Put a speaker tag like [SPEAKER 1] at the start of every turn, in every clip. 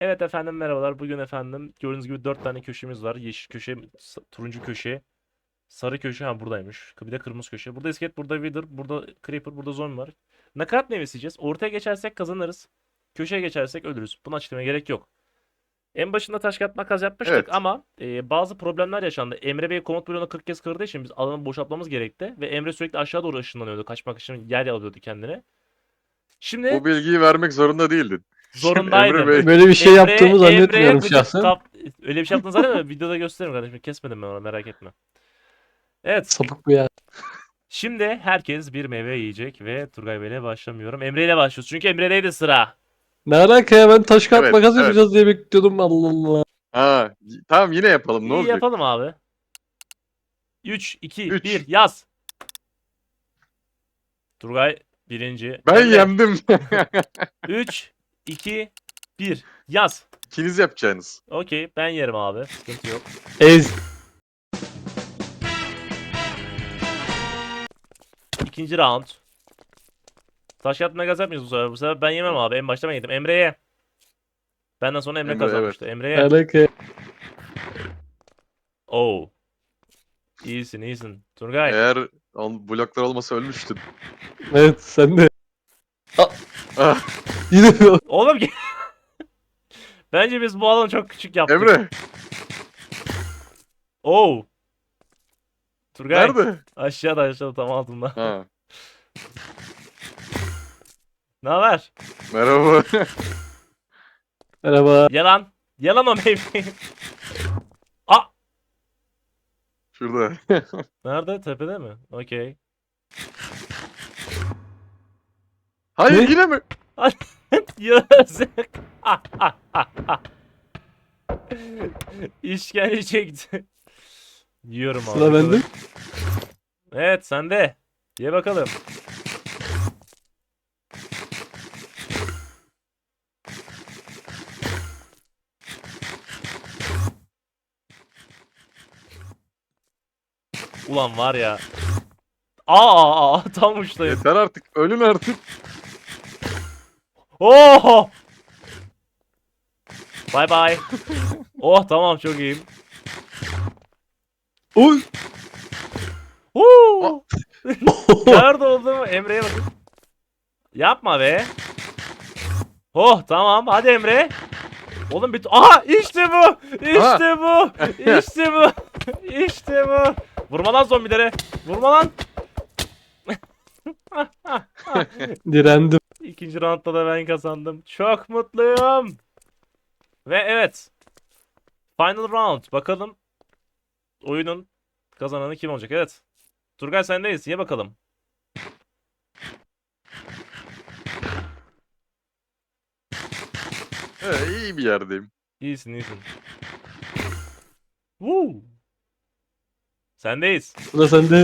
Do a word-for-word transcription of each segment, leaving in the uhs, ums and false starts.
[SPEAKER 1] Evet efendim merhabalar. Bugün efendim gördüğünüz gibi dört tane köşemiz var. Yeşil köşe, sa- turuncu köşe, sarı köşe ha buradaymış. Bir de kırmızı köşe. Burada iskelet, burada wither, burada creeper, burada zombi var. Nakarat nefesiyeceğiz. Ortaya geçersek kazanırız. Köşeye geçersek ölürüz. Bunu açıklamaya gerek yok. En başında taş kağıt makas yapmıştık
[SPEAKER 2] Evet.
[SPEAKER 1] ama e, bazı problemler yaşandı. Emre Bey komut bloğunu kırk kez kırdığı için biz alanı boşaltmamız gerekti. Ve Emre sürekli aşağı doğru ışınlanıyordu. Kaçmak için yer alıyordu kendine. Şimdi
[SPEAKER 2] Bu bilgiyi vermek zorunda değildin. Emre
[SPEAKER 1] zorundaydım.
[SPEAKER 2] Bey.
[SPEAKER 3] Böyle bir şey
[SPEAKER 1] Emre,
[SPEAKER 3] yaptığımı
[SPEAKER 1] Emre'ye
[SPEAKER 3] zannetmiyorum
[SPEAKER 1] gıcık
[SPEAKER 3] şahsen.
[SPEAKER 1] kap... Öyle bir şey yaptığını zannetmiyorum. Videoda gösteririm kardeşim. Kesmedim ben onu merak etme. Evet.
[SPEAKER 3] Sapık bu ya.
[SPEAKER 1] Şimdi herkes bir meyve yiyecek ve Turgay Bey'le başlamıyorum. Emre ile başlıyoruz. Çünkü Emre'deydi sıra.
[SPEAKER 3] Ne alaka ya, ben taş kağıt
[SPEAKER 2] Evet,
[SPEAKER 3] makas
[SPEAKER 2] evet.
[SPEAKER 3] yapacağız diye bekliyordum, Allah Allah.
[SPEAKER 2] Ha, y- tamam yine yapalım ne
[SPEAKER 1] İyi
[SPEAKER 2] olacak?
[SPEAKER 1] yapalım abi. üç, iki, bir
[SPEAKER 2] Üç.
[SPEAKER 1] yaz. Turgay birinci.
[SPEAKER 2] Ben
[SPEAKER 1] Emre
[SPEAKER 2] yendim.
[SPEAKER 1] üç, iki, bir yaz.
[SPEAKER 2] İkiniz yapacaksınız.
[SPEAKER 1] Okey ben yerim abi. Sıkıntı yok.
[SPEAKER 3] Ez.
[SPEAKER 1] İkinci round. Taş kağıt makas yapmıyoruz bu sefer. Bu sefer ben yemem abi. En başta ben yedim. Emre'ye. Benden sonra Emre
[SPEAKER 2] Emre, evet.
[SPEAKER 1] kazanmıştı.
[SPEAKER 3] Ne
[SPEAKER 1] Emre'ye.
[SPEAKER 3] alaka?
[SPEAKER 1] Oo. İyisin iyisin. Turgay.
[SPEAKER 2] Eğer on, bloklar olmasa ölmüştün.
[SPEAKER 3] Evet, sen de.
[SPEAKER 2] Ah,
[SPEAKER 3] Yine mi?
[SPEAKER 1] Oğlum ki- bence biz bu alanı çok küçük yaptık.
[SPEAKER 2] Emre.
[SPEAKER 1] Oo. Turgay.
[SPEAKER 2] Nerede?
[SPEAKER 1] Aşağıda aşağıda tam altında.
[SPEAKER 2] Ha,
[SPEAKER 1] Ne haber?
[SPEAKER 2] merhaba.
[SPEAKER 3] Merhaba.
[SPEAKER 1] Yalan. Yalan o meyveyi. Aa.
[SPEAKER 2] Şurada.
[SPEAKER 1] Nerede? Tepede mi? Okey.
[SPEAKER 2] Hayır
[SPEAKER 3] Ne?
[SPEAKER 2] yine mi?
[SPEAKER 1] Yazık. İşkence çekti. Yiyorum abi.
[SPEAKER 3] Sıra bende.
[SPEAKER 1] Evet sende. Ye bakalım. Ulan var ya. Aa, aa tam uçtayım.
[SPEAKER 2] Yeter artık. Ölün artık.
[SPEAKER 1] Oh! Bye bye. Oh tamam çok iyiyim.
[SPEAKER 3] Oy.
[SPEAKER 1] Huu! Nerede olduğumu Emre'ye bakın. Yapma be. Oh tamam hadi Emre. Oğlum bir... Aha işte bu. İşte bu. İşte bu. İşte bu. Vurma lan zombilere. Vurma lan.
[SPEAKER 3] Direndim.
[SPEAKER 1] İkinci roundda da ben kazandım. Çok mutluyum. Ve evet. Final round. Bakalım oyunun kazananı kim olacak? Evet. Turgay sendeyiz. Ye bakalım.
[SPEAKER 2] Evet, iyi bir yerdeyim.
[SPEAKER 1] İyisin iyisin. Woo. Sendeyiz.
[SPEAKER 3] Sıra sende.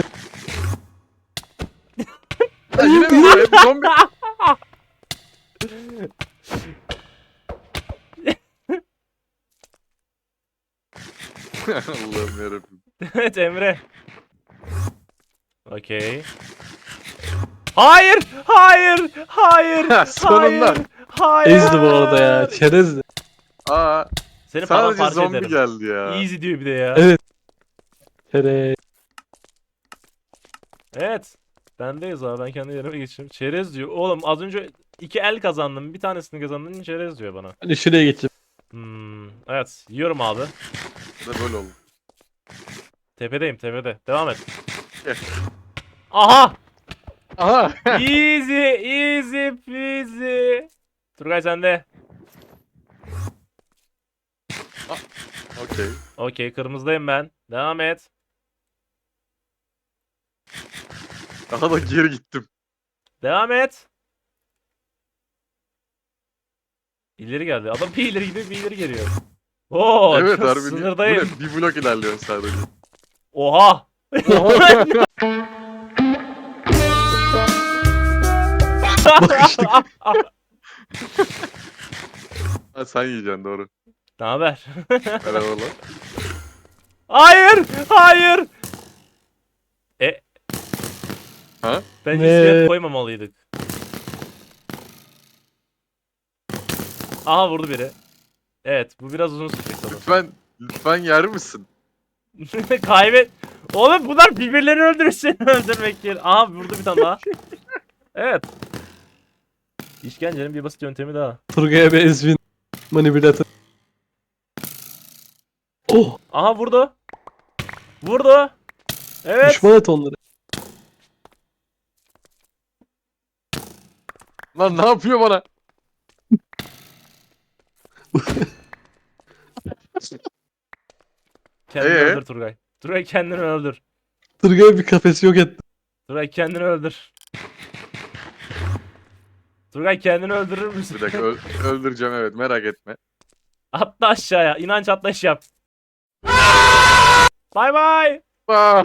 [SPEAKER 2] Ha, yine mi? Hep zombi. Allah'ım yarabbim.
[SPEAKER 1] Evet Emre. Okey. Hayır! Hayır! Hayır!
[SPEAKER 2] Sonunda.
[SPEAKER 1] Hayır! Hayır!
[SPEAKER 3] Ezdi bu arada ya. Çerezdi.
[SPEAKER 2] Aa,
[SPEAKER 1] Seni
[SPEAKER 2] sadece
[SPEAKER 1] paramparça
[SPEAKER 2] zombi
[SPEAKER 1] ederim.
[SPEAKER 2] geldi ya.
[SPEAKER 1] Easy diyor bir de ya.
[SPEAKER 3] Evet. Çerez.
[SPEAKER 1] Evet. Bendeyiz abi. Ben kendi yerime geçeyim. Çerez diyor. Oğlum az önce iki el kazandım. Bir tanesini kazandın. Çerez diyor bana.
[SPEAKER 3] Hadi şuraya geçeyim.
[SPEAKER 1] Hmm, evet. Yiyorum abi.
[SPEAKER 2] Ne böyle oldu?
[SPEAKER 1] Tepedeyim tepede. Devam et.
[SPEAKER 2] Gel.
[SPEAKER 1] Aha!
[SPEAKER 2] Aha.
[SPEAKER 1] Easy, easy peasy. Turgay sende.
[SPEAKER 2] Okey.
[SPEAKER 1] Okey, kırmızıdayım ben. Devam et.
[SPEAKER 2] Daha da geri gittim.
[SPEAKER 1] Devam et. İleri geldi. Adam bir ileri gidiyor, bir ileri geliyor. Oo,
[SPEAKER 2] Evet
[SPEAKER 1] çok
[SPEAKER 2] harbi. Bu
[SPEAKER 1] sınırdayım.
[SPEAKER 2] ne? Bir blok ilerliyorsun sadece.
[SPEAKER 1] Oha!
[SPEAKER 3] Bakıştık.
[SPEAKER 2] Ha, sen yiyeceksin doğru.
[SPEAKER 1] Ne haber?
[SPEAKER 2] Merhabalar.
[SPEAKER 1] Hayır! Hayır! E
[SPEAKER 2] Ha?
[SPEAKER 1] bence
[SPEAKER 3] Ne?
[SPEAKER 1] iskelet koymamalıydık. Aha vurdu biri. Evet bu biraz uzun sürecek sanırım.
[SPEAKER 2] Lütfen, lütfen yer misin?
[SPEAKER 1] Kaybet. Oğlum bunlar birbirlerini öldürür seni öldürmek yerine. Aha burada bir tane daha. Evet. İşkencenin bir basit yöntemi daha.
[SPEAKER 3] Turgay'a bir ezbin manipülatör. Oh!
[SPEAKER 1] Aha vurdu. Vurdu. Evet.
[SPEAKER 3] Düşman et onları.
[SPEAKER 2] Lan ne yapıyor bana?
[SPEAKER 1] Kendini
[SPEAKER 2] Ee?
[SPEAKER 1] öldür Turgay. Turgay kendini öldür.
[SPEAKER 3] Turgay'a bir kafesi yok etti.
[SPEAKER 1] Turgay kendini öldür. Turgay kendini öldürür müsün?
[SPEAKER 2] Bir dakika öl- öldüreceğim evet merak etme.
[SPEAKER 1] Atla aşağıya. İnanç atlayış yap. Bay bay.
[SPEAKER 2] Aa,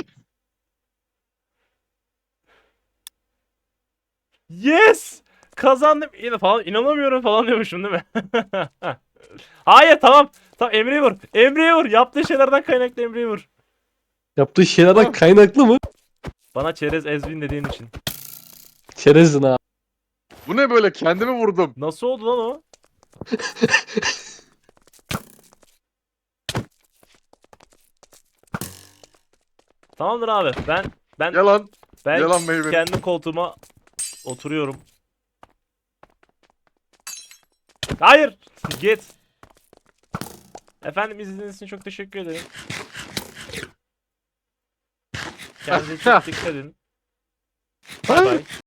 [SPEAKER 1] Yes! Kazandım. Yine falan inanamıyorum falan diyormuşum değil mi? Hayır tamam. Tamam Emre'yi vur. Emre'yi vur. Yaptığı şeylerden kaynaklı Emre'yi vur.
[SPEAKER 3] Yaptığı şeylerden
[SPEAKER 2] Tamam.
[SPEAKER 3] kaynaklı mı?
[SPEAKER 1] Bana çerez ezbin dediğin için.
[SPEAKER 3] Çerezdin ha.
[SPEAKER 2] bu ne böyle kendimi vurdum.
[SPEAKER 1] Nasıl oldu lan o? Tamamdır abi. Ben ben
[SPEAKER 2] Yalan.
[SPEAKER 1] ben
[SPEAKER 2] yalan meyve.
[SPEAKER 1] kendi koltuğuma oturuyorum. Hayır. Git. Efendim izlediğiniz için çok teşekkür ederim. Kendinize çok dikkat edin. Bay bay.